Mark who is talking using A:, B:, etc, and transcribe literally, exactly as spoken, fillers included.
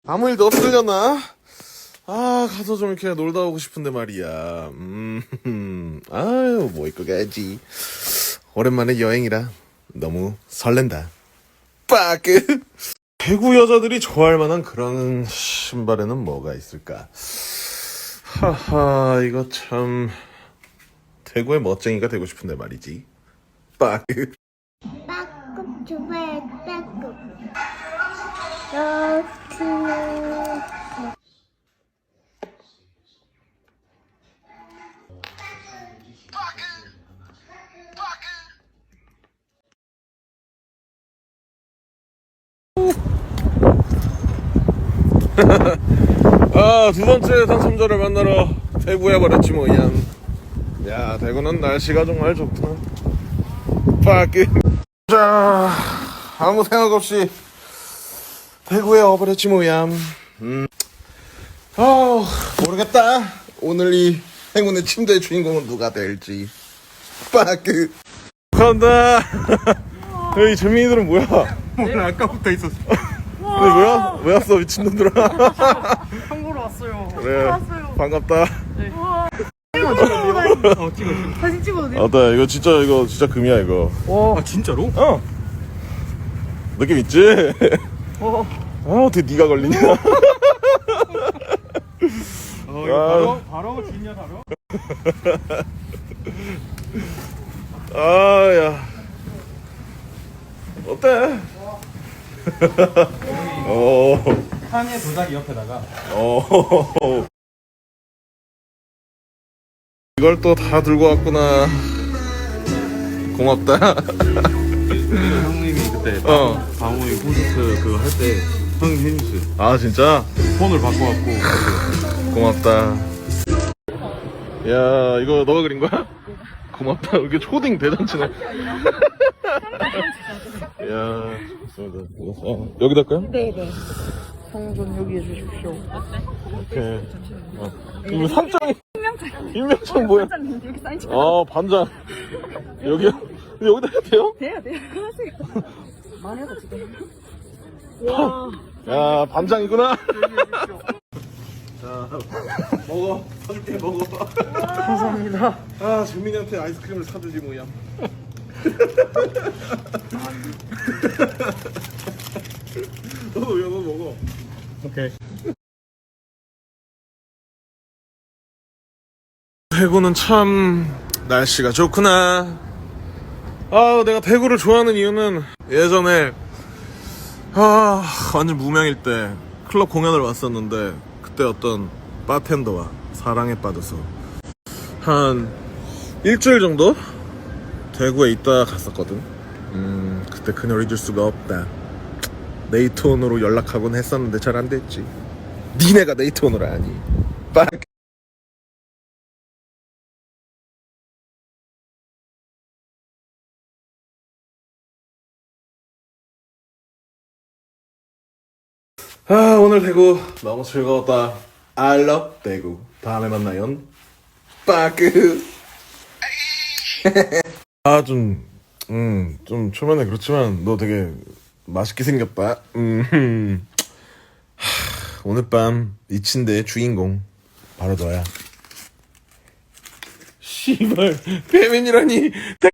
A: 아무 일도 없으려나? 아, 가서 좀 이렇게 놀다 오고 싶은데 말이야. 음, 아유, 뭐 입고 가야지. 오랜만에 여행이라 너무 설렌다. 빠그! 대구 여자들이 좋아할 만한 그런 신발에는 뭐가 있을까? 하하, 이거 참 대구의 멋쟁이가 되고 싶은데 말이지. 빠그.
B: 빠꾸 주베 빠꾸 여기는
A: 아, 두 번째 당첨자를 만나러 대구에 버렸지 뭐야. 야, 대구는 날씨가 정말 좋구나. 빠그. 자, 아무 생각 없이 대구에 와버렸지 뭐야. 음. 아, 모르겠다. 오늘 이 행운의 침대의 주인공은 누가 될지. 빠그. 간다. 이 재민이들은 뭐야?
C: 오늘 아까부터 있었어.
A: 근데 뭐야? 왜 왔어 미친놈들아.
C: 형 보러 왔어요.
A: 그래, 반갑다.
C: 어, 찍어.
B: 사진 찍어도 돼?
A: 아따, 이거 진짜 이거 진짜 금이야 이거.
C: 와, 아, 진짜로?
A: 어, 느낌 있지?
C: 어.
A: 아, 어떻게 네가 걸리냐?
C: 어, 이거 바로 바로 진냐 바로?
A: 아, 야, 어때? 어,
C: 칸의 도자기 옆에다가
A: 어. 이걸 또 다 들고 왔구나. 고맙다.
C: 형님이 그때
A: 어.
C: 방호이 콘서트 그거 할 때 형님 해줬어요.
A: 아, 진짜?
C: 폰을 바꿔갖고
A: 고맙다. 야, 이거 너가 그린 거야? 고맙다. 이게 초딩 대잔치네. 야, 좋습니다. 어, 여기다 할까요?
B: 네네. 성좀 여기 해주십시오.
A: 오케이. 어. 이거 삼장이. 임명장 뭐야?
B: 여기 사인 찍
A: 아, 반장. 여기요? 근데 여기다 해도 돼요?
B: 돼요, 돼요. 하세요. 많이 해도 지금.
A: 야, 반장이구나. 자, 먹어. 사줄게, 먹어.
C: 감사합니다.
A: 아, 재민이한테 아이스크림을 사주지 뭐야. 너도 야, 너 먹어.
C: 오케이.
A: 대구는 참 날씨가 좋구나. 아, 내가 대구를 좋아하는 이유는 예전에 아, 완전 무명일 때 클럽 공연을 왔었는데 그때 어떤 바텐더와 사랑에 빠져서 한 일주일 정도 대구에 있다 갔었거든. 음, 그때 그녀를 잊을 수가 없다. 네이트온으로 연락하곤 했었는데 잘 안 됐지. 니네가 네이트온으로 아니. 빡. 아, 오늘 대구 너무 즐거웠다. I love 대구. 다음에 만나요. 빠그. 아, 좀, 음, 좀 초면에 그렇지만 너 되게 맛있게 생겼다. 음, 하, 오늘 밤 이 침대의 주인공 바로 너야. 씨발, 배민이라니.